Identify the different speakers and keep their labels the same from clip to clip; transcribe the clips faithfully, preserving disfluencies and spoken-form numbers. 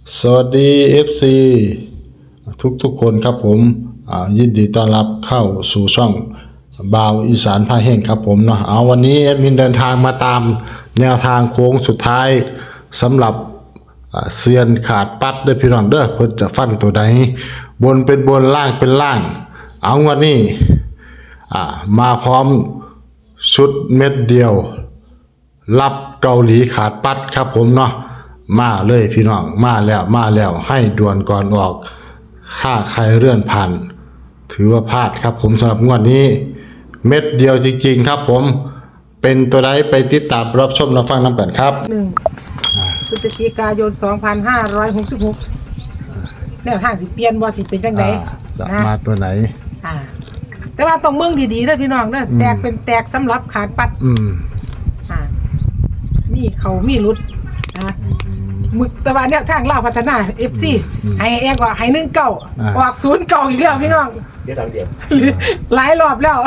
Speaker 1: สวัสดี เอฟ ซี ทุกทุกคนครับผมยินดีต้อนรับเข้าสู่ช่องบ่าวอีสานพาแห้งครับผมเนาะเอาวันนี้แอดมินเดินทางมาตามแนวทางโค้งสุดท้ายสำหรับเซียนขาดปัดเด้อพี่น้องเด้อเพิ่นจะฟันตัวใดบนเป็นบนล่างเป็นล่างเอาวันนี้มาพร้อมชุดเม็ดเดียวรับเกาหลีขาดปัดครับผมเนาะมาเลยพี่น้องมาแล้วมาแล้วให้ด่วนก่อนออกค่าใครเลื่อนผ่านถือว่าพลาดครับผมสำหรับงวดนี้เม็ดเดียวจริงๆครับผมเป็นตัวใดไปติดตามรับชมรับฟังน้ำกันครับ
Speaker 2: หนึ่งพฤศจิกายนสองพันห้าร้อยหกสิบหกแนวทางสิเปลี่ยนบ่สิเป็นจังได
Speaker 1: จะมาตัวไหน
Speaker 2: อ่าแต่ว่าต้องเมืองดีๆเด้อพี่น้องเด้อแตกเป็นแตกสำหรับขาดปัด
Speaker 1: อืม
Speaker 2: อ่ามีเขามีรุดนะมึกแต่ว่าเนี่ยทางลาวพัฒนา เอฟ ซี ให้แอกว่าให้หนึ่งเก้าออกศูนย์เก้าอีกแล้วพี่น้อง
Speaker 3: เดี๋ยวดังเดียว
Speaker 2: หลายรอบแล้ว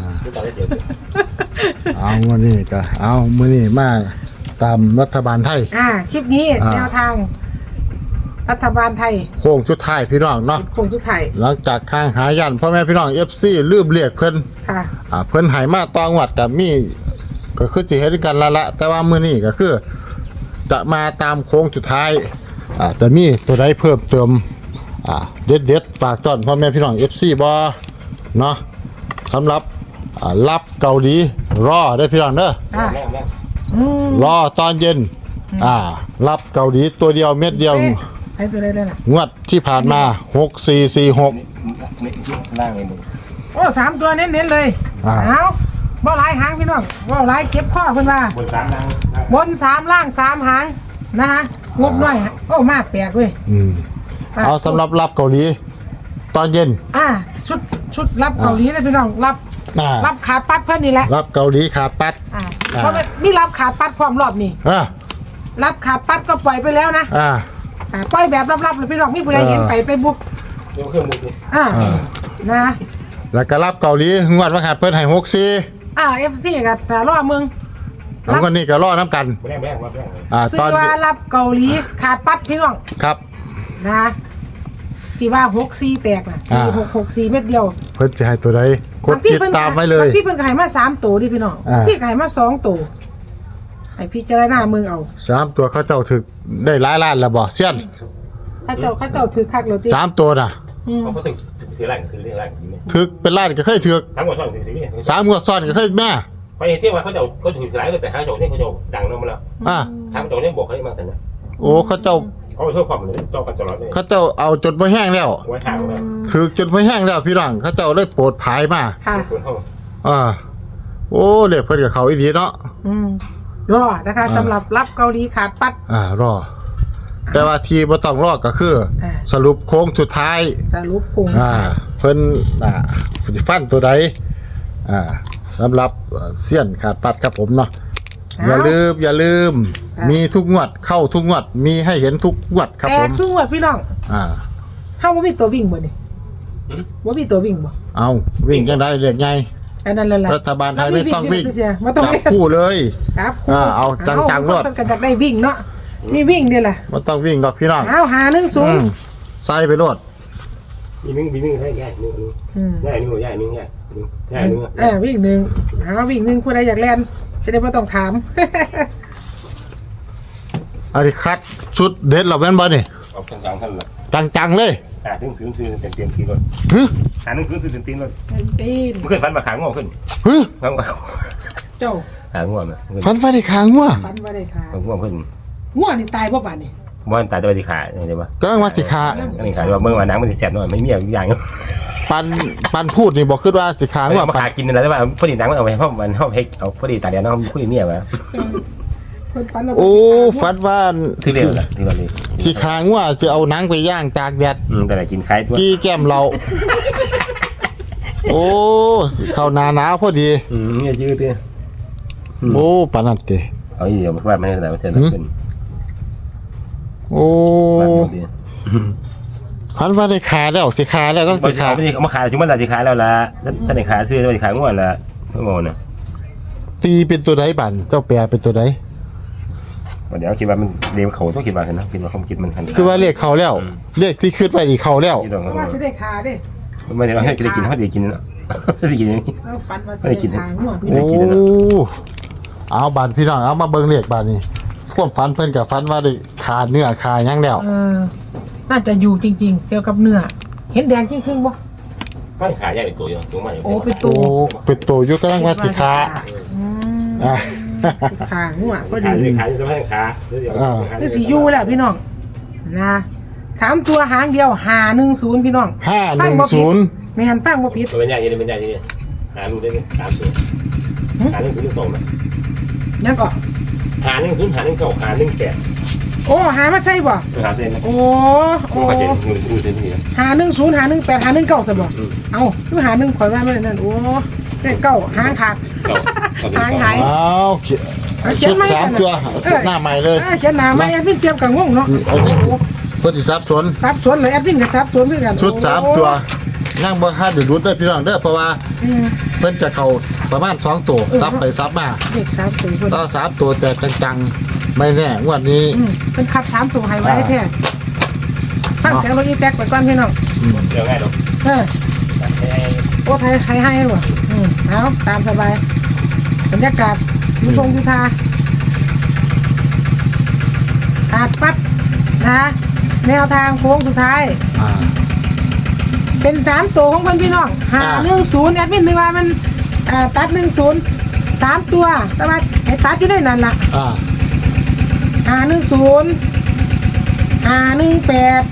Speaker 1: เอาวันนี้ก็เอามื้อนี้มาตามรัฐบาลไทย
Speaker 2: อ่าคลิปนี้แนวทางรัฐบาลไทย
Speaker 1: โค้งสุดท้ายพี่น้องเนาะ
Speaker 2: โค้งสุดท้าย
Speaker 1: หลังจากข้างหายันพ่อแม่พี่น้อง เอฟ ซี ลืมเรียกเพิ่น
Speaker 2: ค่ะ
Speaker 1: อ่าเพิ่นให้มาตองวัดกับมีก็คือสิเฮ็ดกันละละแต่ว่ามื้อนี้ก็คือจะมาตามโค้งสุดท้ายอ่าจะมีตัวใดเพิ่มเติมอ่าเด็ดๆฝากต้อนพ่อแม่พี่น้อง เอฟ ซี บ่เนาะสำหรับอ่ารับเกาหลีรอได้พี่น้องเด้อรอตอนเย็นอ่ารับเกาหลีตัวเดียวเม็ดเดียว
Speaker 2: ให้ตัวได้เลยล่ะ
Speaker 1: งวดที่ผ่านมาหกสี่สี่หก
Speaker 3: ล่างเลยมึง
Speaker 2: โอ้สามตัวเน้นๆเลยเอาบ่หลายหางพี่น้องบ่หลายเก็บข้อเพิ่นว่า
Speaker 3: บนสามล่าง
Speaker 2: บนสามล่างสามหางนะคะงบน้อยโอ้มากแปลกเว้ย
Speaker 1: อืมเอาสำหรับรับเกาหลีตอนเย็น
Speaker 2: อ่าชุดชุดรับเกาหลีเลยพี่น้องรับรับขาดปัดเพิ่นนี่แหละ
Speaker 1: รับเกาหลีขาดปัด
Speaker 2: อ่าเพราะมีรับขาดปัดพร้อมรอบนี้
Speaker 1: อ่า
Speaker 2: รับขาดปัดก็ปล่อยไปแล้วนะ
Speaker 1: อ่า
Speaker 2: อ่าปล่อยแบบลับๆเลยพี่น้องมีผู้ใดเห็นไปไปบุก
Speaker 3: เดี๋ยวเครื่องมือ
Speaker 2: อ่านะ
Speaker 1: แล้วก็รับเกาหลีงวดว่าขาดเพิ่นให้หกสี่
Speaker 2: อ่า เอฟ ซี ก็ถ้ารอมึง
Speaker 1: แล้วคนนี้ก็รอน้ำกัน
Speaker 3: แรงแรงแรง
Speaker 1: อ่า
Speaker 2: ตอนว่ารับเกาหลีขาดปัดพี่น้อง
Speaker 1: ครับ
Speaker 2: นะที่ว่าหกสี่แตกน่ะสี่หกหกสี่เม็ดเดียว
Speaker 1: เพิ่นจะให้ตัวใดกดติดตามไว้เลย
Speaker 2: ที่เพิ่นขายมาสามตัวดิพี่น้องที่ขายมาสองตัวให้พิจารณามึงเอา
Speaker 1: สามตัวเขาเจ้าถึกได้หลายล้านแล้วบ่เซียน
Speaker 2: เขาเจ้าเขาเจ้าถือคักแล้วติ
Speaker 1: สามตัวน่ะ
Speaker 3: เขาถึกถือแรงถือแรง
Speaker 1: ถึกเป็นล้านก็เคยถึก
Speaker 3: สามงวดซ้อนถือนี่
Speaker 1: สามงวดซ้อนก็เคยแม่
Speaker 3: ไปเที่ยวว่าเขาเจ้าเขาถือหลายเลยแต่หาเจ้าเนี่ยเขาเจ้าดังลงมาแล้ว
Speaker 1: อ่า
Speaker 3: ทางเจ้าเนี่ยบอกเขาได้มาแต่เนี่ย
Speaker 1: โอ้เขาเจ้า
Speaker 3: เขาเที่ยวความเลยเจ้ากันตลอดเลย
Speaker 1: เขาเจ้าเอาจนบ่แห้งแล้ว
Speaker 3: ไว้ทางแล้ว
Speaker 1: ถึกจนบ่แห้งแล้วพี่น้องเขาเจ้าเลยโปรดภายมา
Speaker 2: ค่ะ
Speaker 1: อ่าโอ้เลขเพิ่นกับเขาอีดีเนาะ
Speaker 2: อืมรอนะคะสำหรับรับเกาหลีขาดปัด
Speaker 1: อ่ารอแต่ว่าทีบ่ต้องรอก็คือสรุปโค้งสุดท้าย
Speaker 2: สรุปโค้ง
Speaker 1: อ่าเพิ่นอ่าฟันตัวใดอ่าสำหรับเสี้ยนขาดปัดครับผมเนาะอย่าลืมอย่าลืมมีทุกงวดเข้าทุกงวดมีให้เห็นทุกงวดครับผม
Speaker 2: แตกทุกงวดพี่น้อง
Speaker 1: อ่า
Speaker 2: เฮาบ่มีตัววิ่งบ่นี่บ่มีตัววิ่งบ่
Speaker 1: เอาวิ่งจังได๋เรียกไง
Speaker 2: อันนั้นแหละ
Speaker 1: รัฐบาลไทยไม่ต้องวิ่งจับคู่เลย
Speaker 2: ครับ
Speaker 1: อ่าเอาจังๆรถ
Speaker 2: มันก็จะได้วิ่งเนาะมีวิ่งนี่แหละ
Speaker 1: บ่ต้องวิ่งดอกพี่น้อง
Speaker 2: เอาหาหนึ่งสูง
Speaker 1: ใส่ไปรถ
Speaker 3: มีวิ่งมีวิ่งให้ใหญ่นึงใหญ่นึงใหญ่นึงใหญ่ใหญ่นึง
Speaker 2: เออวิ่งหนึ่งหาวิ่งหนึ่งผู้ใดอยากแล่นจะได้ไม่ต้องถาม
Speaker 1: อันนี้คัดชุดเด็ดเราแม่นบ่นี่
Speaker 3: เอาจังๆท่านละ
Speaker 1: จังๆเลย
Speaker 3: หาถึงศูนย์ซื้อเต็มเต็มทีรถ
Speaker 1: ฮึ
Speaker 3: หาหนึ่งศูนย์ซื้อเต็มทีรถ
Speaker 2: เต็มที
Speaker 3: มันขึ้นฟันมาขางงอขึ้น
Speaker 1: ฮึ
Speaker 3: ขางงอ
Speaker 2: เจ้า
Speaker 3: ขางงอมา
Speaker 1: ฟันฟันได้ขางงอ
Speaker 2: ฟันว่าได้ขา
Speaker 3: ขางงอขึ้น
Speaker 2: งอนี่ตายเพราะบาดนี่
Speaker 3: บ่ตายแต่ว่าสิขาใช่ป่ะ
Speaker 1: ก็ว่าสิขา
Speaker 3: อันนี้ขาว่าเมื่อวานนังมันสิแสบหน่อยไม่มีอย่าง
Speaker 1: ปันปันพูดนี่บอกขึ้นว่าสิขางว่า
Speaker 3: มาขากินอะไรแต่ว่าพอดีนังมันเอาไปเพราะมันเฮาเฮ็ดเอาพอดีตาเดียวน้องคุยเมียมา
Speaker 1: โอ้ฟันว่า
Speaker 3: คือเร็วล่ะที่ว่านี่
Speaker 1: สิขางว่าสิเอาหนังไปย่างตากแดด
Speaker 3: อืมแต่ละกินคล้ายตัว
Speaker 1: กี้แก้มเราโอ้เข้าหน้าหนาวพอดี
Speaker 3: อืมเนี่ยยืดติ
Speaker 1: โอ้ปานนั้นติ
Speaker 3: เอาอีเดียวว่ามันได้ว่าเสร็จแล้วขึ้น
Speaker 1: โอ้ฟันว่าได้ขาแล้วสิขาแล้วก็สิขา
Speaker 3: ไม่ได้เอามาขายถึงมันละสิขายแล้วล่ะถ้าได้ขายซื้อจะขายงวดละไม่โง่น่ะ
Speaker 1: ตีเป็นตัวใดบั่นเจ้าแปรเป็นตัวใด
Speaker 3: วเดี๋ยวคิดว่ามันเดี๋ยวเขาต้องคิดว่าเห็นนะคิดว่าความคิดมันหัน
Speaker 1: คือว่าเลขเข้าแล้ว เลขที่ขึ้นไปนี่เข้าแล้ว
Speaker 3: คิดว่า
Speaker 2: เพราะว่าสิได้ขาเด้
Speaker 3: ไม่ได้ให้ได้กินเขาได้กินนะได้กินอย่างนี้
Speaker 2: เอาฟันมาสิได้ขาหัวพี่
Speaker 3: ไม่
Speaker 1: โอ้
Speaker 3: ได้กินแล้วนะ
Speaker 1: เอาบาดพี่น้องเอามาเบิ่งเลขบาดนี้ความฝันเพิ่นกับฝันว่าได้ขาเนื้อขาหยังแล้ว
Speaker 2: เออน่าจะอยู่จริงๆ เกี่ยวกับเนื้อเห็นแดงจริงครึ่งบ่
Speaker 3: ไม่ขายใหญ่เป็นตัวอยู่ตัวใหม่
Speaker 2: โอ้เป็นตั
Speaker 1: โอ้
Speaker 2: ว
Speaker 1: เป็นตัวอยู่กำลังว่าสิขา
Speaker 2: อืม
Speaker 1: อ่ะ
Speaker 2: ขาหัวพอ
Speaker 3: ขา
Speaker 2: ดี
Speaker 3: ยขายจะไม่ให้ขา
Speaker 2: คือสียูแหละพี่น้องนะสามตัวหางเดียวหาหนึ่งศูนย์พี่น้อง
Speaker 1: ห้าหนึ่งศูนย์
Speaker 2: ไม่หันฟังบ่ผิด
Speaker 3: ตัวเป็นใหญ่ยังเป็นใหญ่ที่นี่หาลูกได้สามตัวหาหนึ่งศูนย์หนึ่งสองไหม
Speaker 2: ยังก่อน
Speaker 3: หาหนึ่งศูนย์หาหนึ่งเก้าหาหนึ่งแปด
Speaker 2: โอ้หามาใช่บ่
Speaker 3: หาเซนนะ
Speaker 2: โอ้โอ้
Speaker 3: ผมเข้าใจเงินดูเซนนี่นะ
Speaker 2: หาหนึ่งศูนย์หาหนึ่งแปดหาหนึ่งเก้าซะบ่เอ้าคือหาหนึ่งข่อยว่าไม่ได้นั่นโอ้เลขเก้าหางขาด
Speaker 3: เก้าเก้าเป็น
Speaker 2: หาง
Speaker 3: สอง
Speaker 2: หาย
Speaker 1: เอาเขียน
Speaker 2: เขีย
Speaker 1: ชุ
Speaker 2: น
Speaker 1: ด
Speaker 2: ไม่
Speaker 1: สามตัวชุดหน้าใหม่เลย
Speaker 2: เขียนหน้าไม่แอดมินเตรียมกับงงเนาะ
Speaker 1: เอาดิเพื่อที่ซับสน
Speaker 2: ซับสวนเลยแอดมินกับซับสวนเพื่อนกัน
Speaker 1: ชุดสามตัวนั่งบ่ทันเดือดรุดได้อพี่น้องเด้อเพราะว่า
Speaker 2: อืม
Speaker 1: เพิ่นจะเข้าประมาณสองตัวซับไปซับมา
Speaker 2: เด็กสามตัวเพิ่น
Speaker 1: ต่อสามตัวแต่จังๆไม่แน่งวดนี้
Speaker 2: อืมเป็นคัดสามตัวให้ไว้แท้ฟังเสียงรถอีแท็กไปก่อนพี่น้อง
Speaker 3: เดี๋ยวง่ายหรอก
Speaker 2: เออโอ้ไทยไทยให้หรออืมเอาตามสบายบรรยากาศยุทงยุทาขาดปั๊บนะแนวทางโค้งสุดท้าย
Speaker 1: อ่า
Speaker 2: เป็นสามตัวของเพื่อนพี่น้องหา
Speaker 1: อ่า
Speaker 2: หนึ่งศูนย์แอดมินนึกว่ามันเอ่อตัดหนึ่งศูนย์สามตัวแต่ว่าไอ้ตัดอยู่ในนั้นล่ะ
Speaker 1: อ่า
Speaker 2: หาหนึ่งศูนย์หาหนึ่งแปด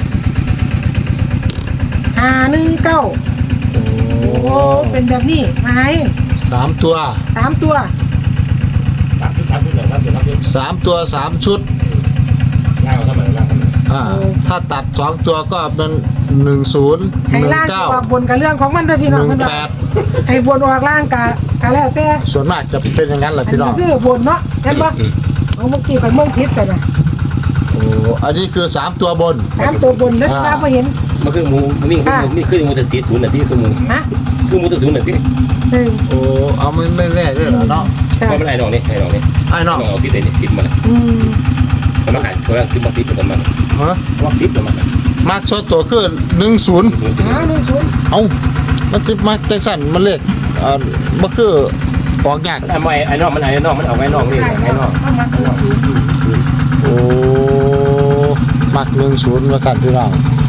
Speaker 2: หาหนึ่งเก้า
Speaker 1: โอ้
Speaker 2: โอ้เป็นแบบนี้มาให้
Speaker 1: สามตัว
Speaker 2: สามตัว
Speaker 3: สามชุดสามชุดเลยครับเดี๋ยวครับเดี๋ยว
Speaker 1: สามตัวสามชุด
Speaker 3: ง่ายเอาทำไมง่ายทำไม
Speaker 1: อ่า ถ้าตัดสองตัวก็เป็นหนึ่งศูนย์
Speaker 2: ให้
Speaker 1: หนึ่ง
Speaker 2: ล่าง
Speaker 1: เก้า
Speaker 2: ออกบนกับเรื่องของมันเด้อพี่
Speaker 1: ห
Speaker 2: น้อง
Speaker 1: นึ่ง
Speaker 2: เพิ่น
Speaker 1: แป
Speaker 2: ว่า
Speaker 1: ด
Speaker 2: ให้บนออกล่างกะกะแล้วแต่
Speaker 1: ส่วนมากจะเป็นอย่างนั้นแหละ
Speaker 2: อัน
Speaker 1: พี่น้
Speaker 2: นี้
Speaker 1: อง
Speaker 2: คือบนเนาะเห็นปะเอาเมื่อกี้ไปเมืองพิษใส่น่ะ
Speaker 1: โอ้อันนี้คือสามตัวบน
Speaker 2: สามตัวบนเด้อ
Speaker 1: อ่า
Speaker 2: ว่าบ่เห็น
Speaker 3: มันคือหมูนี่คือนี่คือมูเตอร์ซีศูนย์น่ะที่คือหมู
Speaker 2: ฮะ
Speaker 3: คือมูเตอร์ศูนย์น่ะที่
Speaker 2: หนึ่ง
Speaker 1: โอ้เอาไม่ไม่แน่ด้วยเหรอเนาะ
Speaker 2: ค่ะ
Speaker 3: เพราะมันไอ้น้องนี่ไอ้น้องนี่
Speaker 1: ไอ้น้อง
Speaker 3: เอาซิปเลยนี่ซิปมาเลย
Speaker 2: อืม
Speaker 3: มันมาขายเขาเรียกซิปมาซิปเป็นมัน
Speaker 1: ฮะ
Speaker 3: ว่าซิปเป็นมัน
Speaker 1: มากชดตัวคือหนึ่งศูนย์
Speaker 3: ศูนย์
Speaker 2: หาหนึ่งศูนย์
Speaker 1: เอ้ามันจะมาจังสั่นมันเลขอ่ามันคือออกยาก
Speaker 3: ไอ้ไม่ไอ้น้องมันไอ้น้องมันเอาไอ้น้องนี่
Speaker 2: ใช่
Speaker 3: ไอ้น้อง
Speaker 2: ต้องมาหนึ่งศูนย์
Speaker 1: โอ้มักหนึ่งศูนย์มาสั่นพี่น้อง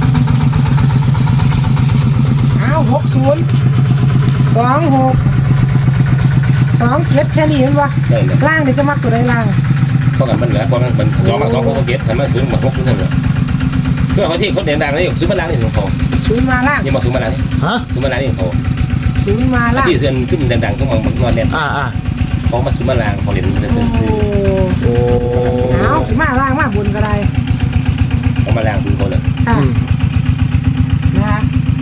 Speaker 2: อ้าวหกศูนย์สองหกสองเจ็ดแค่นี้เห็นปะ
Speaker 3: ได้เลย
Speaker 2: ล่างเดี๋ยวจะมักตัวใดล่าง
Speaker 3: เพราะกันมันเหลือเพราะมันมันสองมาสองเขาเก็บทำให้ศูนย์มาหกศูนย์นั่นแหละเพื่อเขาที่เขาเด่นดังนี่ซื้อมาล้างนี่ของเขา
Speaker 2: ศูนย์มาล่าง
Speaker 3: ยังมาซื้อมาล้างนี่
Speaker 1: ฮะ
Speaker 3: ซื้อมาล้างนี่ของเขา
Speaker 2: ศูนย์มาล่าง
Speaker 3: ที่เสื่อมขึ้นดังๆก็มองมันนอนเด่น
Speaker 1: อ่าอ่า
Speaker 3: เขามาซื้อมาล้างเขาเด่นเป็น
Speaker 2: โอ้
Speaker 3: ซื้อ
Speaker 1: โอ้
Speaker 2: เอาสิมาล่างมาบนก็ได้
Speaker 3: เขามาล้างซื้อเขาเลย
Speaker 2: ค่ะ
Speaker 1: อืม
Speaker 2: นะคะ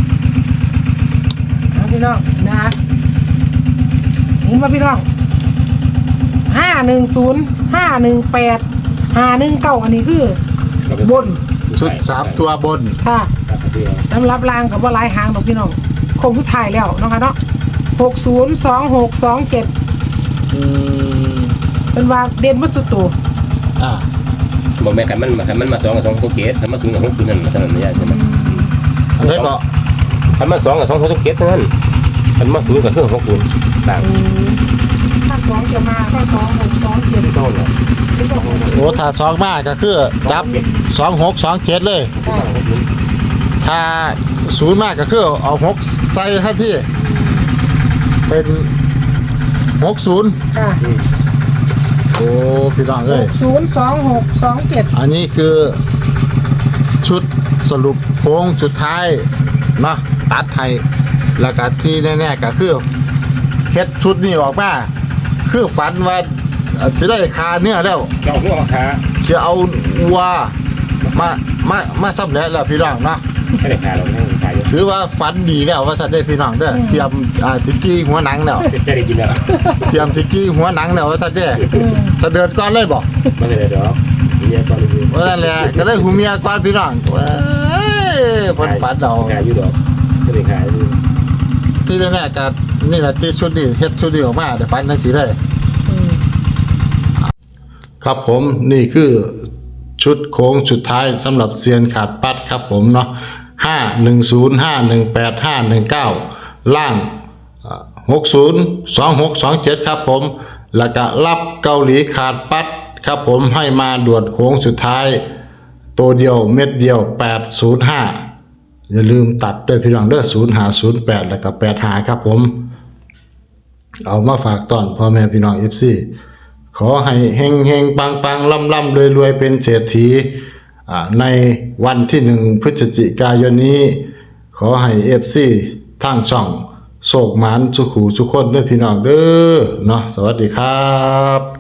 Speaker 2: เอาพี่น้องนะคะเห็นป่ะพี่น้องห้าหนึ่งศูนย์ห้าหนึ่งแปดห้าหนึ่งเก้าอันนี้คือบน
Speaker 1: ชุดสามตัวบน
Speaker 2: ค่ะสำหรับรางกับว่าลายหางดอกพี่น้องคงทุกทายแล้วเนาะคะเนาะหกศูนย์สองหกสองเจ็ด
Speaker 1: อืม
Speaker 2: เป็นว่าเด่นมัสุดตัว
Speaker 1: อ่า
Speaker 3: บอกแม่กันมันมากันมันมาสองกับสองเขาเก็บทำมาศูนย์กับหกศูนย์นั่นเท่านั้นไม่ใช่ใช่ไหม
Speaker 1: อันนี้ก็
Speaker 3: ทำมาสองกับสองเขาเก็บเท่านั้นทำมาศูนย์กับเครื่องหกศูนย์ต่าง
Speaker 2: อืมถ้าสองจะมาก็สองหกสองเจ็ด
Speaker 3: เท่านั้น
Speaker 2: เป็นตัวของ
Speaker 1: โอ้ถ้าสองมากก็คือจับสองหกสองเจ็ดเลย
Speaker 2: ค่ะ
Speaker 1: ถ้าศูนย์มากก็คือเอาหกใส่ท่าที่ เป็นหกศูนย์
Speaker 2: ค่ะ
Speaker 1: โอ้พี่น้อง
Speaker 2: ห
Speaker 1: เอ้ย
Speaker 2: กศูนย์สองหกสองเจ็ด
Speaker 1: อันนี้คือชุดสรุปโค้งสุดท้ายเนาะตัดไทยแล้วก็ที่แน่ๆก็คือเฮ็ดชุดนี้ออกมา คือฝันว่าเอ่อสิได้คาเนื้อแล้ว
Speaker 3: เจ้าหัวมาค้า
Speaker 1: สิเอาวัวมามามาสำเร็จแล้วพี่น้องเนาะ
Speaker 3: ไม่ได้ค้าเราไม่ได้ขายเยอะ
Speaker 1: ถือว่าฝันดีแล้วว่าสัตว์ได้พี่น้องเด้อเตรียมอ่าทิกกี้หัวหนังแล้ว
Speaker 3: จะได้กินแล้ว
Speaker 1: เตรียมทิกกี้หัวหนังแล้วว่าสัตว์เด้อเสด็จก่อนเลยบ่
Speaker 3: ไม่ได้เดี๋ยวเนี่ยตอนนี้
Speaker 1: ว่านั่นแหละก็เลยหูเมียก่อนพี่น้องเอ้ยเพิ่นฝันเอา
Speaker 3: ขายอยู่ดอกไม่ได้ขาย
Speaker 1: ที่แน่ๆก็นี่แหละที่ชุดนี้เฮ็ดชุดนี้ออกมาได้ฝันจังซี่เลย
Speaker 2: อืม
Speaker 1: ครับผมนี่คือชุดโค้งสุดท้ายสำหรับเซียนขาดปัดครับผมเนาะห้าหนึ่งศูนย์ห้าหนึ่งแปดห้าหนึ่งเก้าล่างหกศูนย์สองหกสองเจ็ดครับผมแล้วก็รับเกาหลีขาดปัดครับผมให้มาด่วนโค้งสุดท้ายตัวเดียวเม็ดเดียวแปดศูนย์ห้าอย่าลืมตัดด้วยพี่น้องเด้อศูนย์หาศูนย์แปดแล้วก็แปดหาครับผมเอามาฝากตอนพ่อแม่พี่น้องเอฟซีขอให้เฮงเฮงปังปังล่ำล่ำรวยรวยเป็นเศรษฐีในวันที่หนึ่งพฤศจิกายนนี้ขอให้เอฟซีทั้งช่องโศกหมานสุขูสุขคนด้วยพี่น้องเด้อเนาะสวัสดีครับ